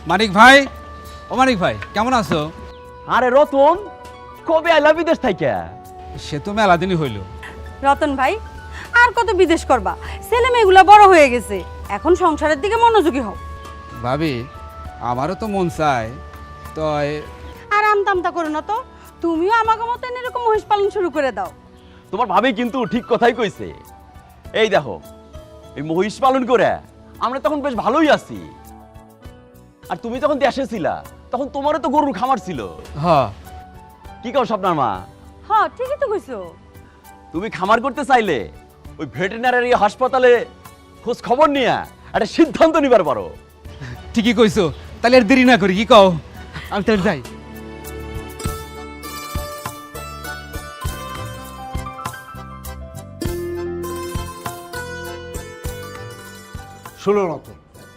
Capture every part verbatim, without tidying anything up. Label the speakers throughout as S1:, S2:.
S1: মানিক ভাই, ও মানিক ভাই কেমন আছো?
S2: আরে রতন, কবে আইলা বিদেশ থেকে?
S1: সে তো মেলা দিনই হইল।
S3: রতন ভাই, আর কত বিদেশ করবা? ছেলে মেয়েগুলো বড় হয়ে গেছে, এখন সংসারের দিকে মনোযোগী হও।
S1: ভাবি, আমারও তো মন চায়, তয়
S3: আর আমতামতা করো না তো, তুমিও আমাকে মতন এরকম মহিষ পালন শুরু করে দাও।
S2: তোমার ভাবি কিন্তু ঠিক কথাই কইছে। এই দেখো, এই মহিষ পালন করে আমরা তখন বেশ ভালোই আছি। আর তুমি যখন দেশে ছিলা তখন তোমারও তো গরুর খামার ছিল।
S1: হ
S2: কি কও স্বপ্নার মা?
S3: হ্যাঁ ঠিকই তো কইছো।
S2: তুমি খামার করতে চাইলে ওই ভেটেরিনারি হাসপাতালে খোঁজ খবর নিয়ে একটা সিদ্ধান্ত নিবার পারো।
S1: ঠিকই কইছো, তাহলে আর দেরি না করি, কি কও? আমি তাহলে যাই।
S4: ষোলো রতন,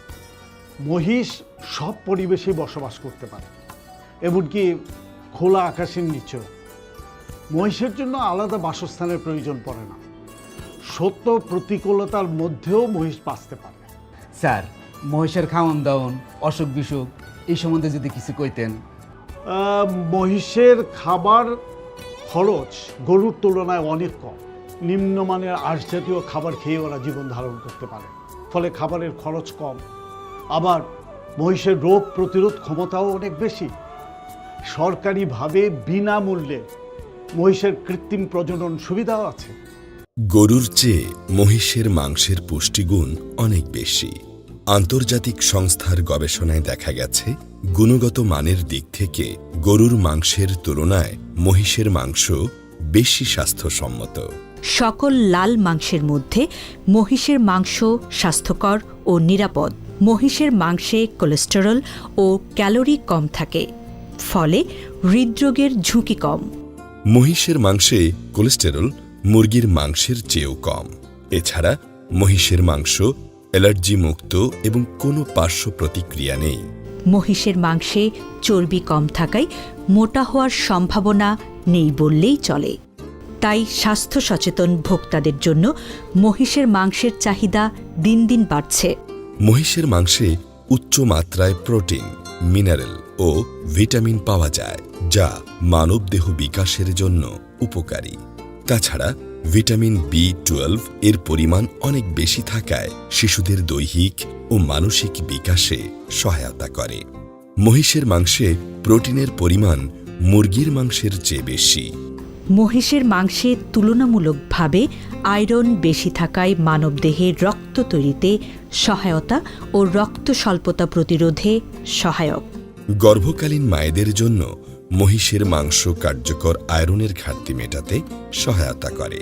S4: মহিষ সব পরিবেশে বসবাস করতে পারে, এমনকি খোলা আকাশের নিচেও। মহিষের জন্য আলাদা বাসস্থানের প্রয়োজন পড়ে না। সত্য প্রতিকূলতার মধ্যেও মহিষ বাঁচতে পারে।
S1: স্যার, মহিষের খাওয়ান দাওন, অসুখ বিসুখ এই সম্বন্ধে যদি কিছু কইতেন।
S4: আহ, মহিষের খাবার খরচ গরুর তুলনায় অনেক কম। নিম্নমানের আঁশ জাতীয় খাবার খেয়ে ওরা জীবন ধারণ করতে পারে, ফলে খাবারের খরচ কম। আবার মহিষের রোগ প্রতিরোধ ক্ষমতাও অনেক বেশি। সরকারিভাবে বিনামূল্যে মহিষের কৃত্রিম প্রজনন সুবিধাও আছে।
S5: গরুর চেয়ে মহিষের মাংসের পুষ্টিগুণ অনেক বেশি। আন্তর্জাতিক সংস্থার গবেষণায় দেখা গেছে, গুণগত মানের দিক থেকে গরুর মাংসের তুলনায় মহিষের মাংস বেশি স্বাস্থ্যসম্মত।
S6: সকল লাল মাংসের মধ্যে মহিষের মাংস স্বাস্থ্যকর ও নিরাপদ। মহিষের মাংসে কোলেস্টেরল ও ক্যালোরি কম থাকে, ফলে হৃদরোগের ঝুঁকি কম।
S5: মহিষের মাংসে কোলেস্টেরল মুরগির মাংসের চেয়েও কম। এছাড়া মহিষের মাংস অ্যালার্জি মুক্ত এবং কোনো পার্শ্ব প্রতিক্রিয়া নেই।
S6: মহিষের মাংসে চর্বি কম থাকায় মোটা হওয়ার সম্ভাবনা নেই বললেই চলে। তাই স্বাস্থ্য সচেতন ভোক্তাদের জন্য মহিষের মাংসের চাহিদা দিন দিন বাড়ছে।
S5: মহিষের মাংসে উচ্চ মাত্রায় প্রোটিন, মিনারেল ও ভিটামিন পাওয়া যায়, যা মানবদেহ বিকাশের জন্য উপকারী। তাছাড়া ভিটামিন বি টুয়েলভ এর পরিমাণ অনেক বেশি থাকায় শিশুদের দৈহিক ও মানসিক বিকাশে সহায়তা করে। মহিষের মাংসে প্রোটিনের পরিমাণ মুরগির মাংসের চেয়ে বেশি।
S6: মহিষের মাংসে তুলনামূলকভাবে আয়রন বেশি থাকায় মানবদেহে রক্ত তৈরিতে সহায়তা ও রক্ত স্বল্পতা প্রতিরোধে সহায়ক।
S5: গর্ভকালীন মায়েদের জন্য মহিষের মাংস কার্যকর আয়রনের ঘাটতি মেটাতে সহায়তা করে।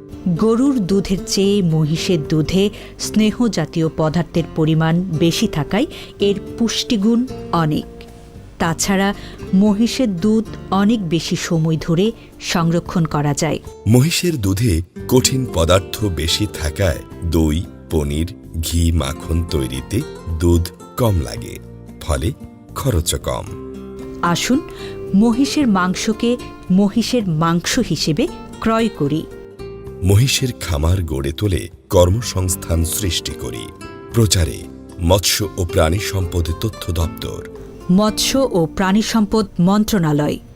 S6: গরুর দুধের চেয়ে মহিষের দুধে স্নেহ জাতীয় পদার্থের পরিমাণ বেশি থাকায় এর পুষ্টিগুণ অনেক। তাছাড়া মহিষের দুধ অনেক বেশি সময় ধরে সংরক্ষণ করা যায়।
S5: মহিষের দুধে কঠিন পদার্থ বেশি থাকায় দই, পনির, ঘি, মাখন তৈরিতে দুধ কম লাগে, ফলে খরচও কম।
S6: আসুন মহিষের মাংসকে মহিষের মাংস হিসেবে ক্রয় করি।
S5: মহিষের খামার গড়ে তোলে কর্মসংস্থান সৃষ্টি করি। প্রচারে মৎস্য ও প্রাণী সম্পদ তথ্য দপ্তর,
S6: মৎস্য ও প্রাণী সম্পদ মন্ত্রণালয়।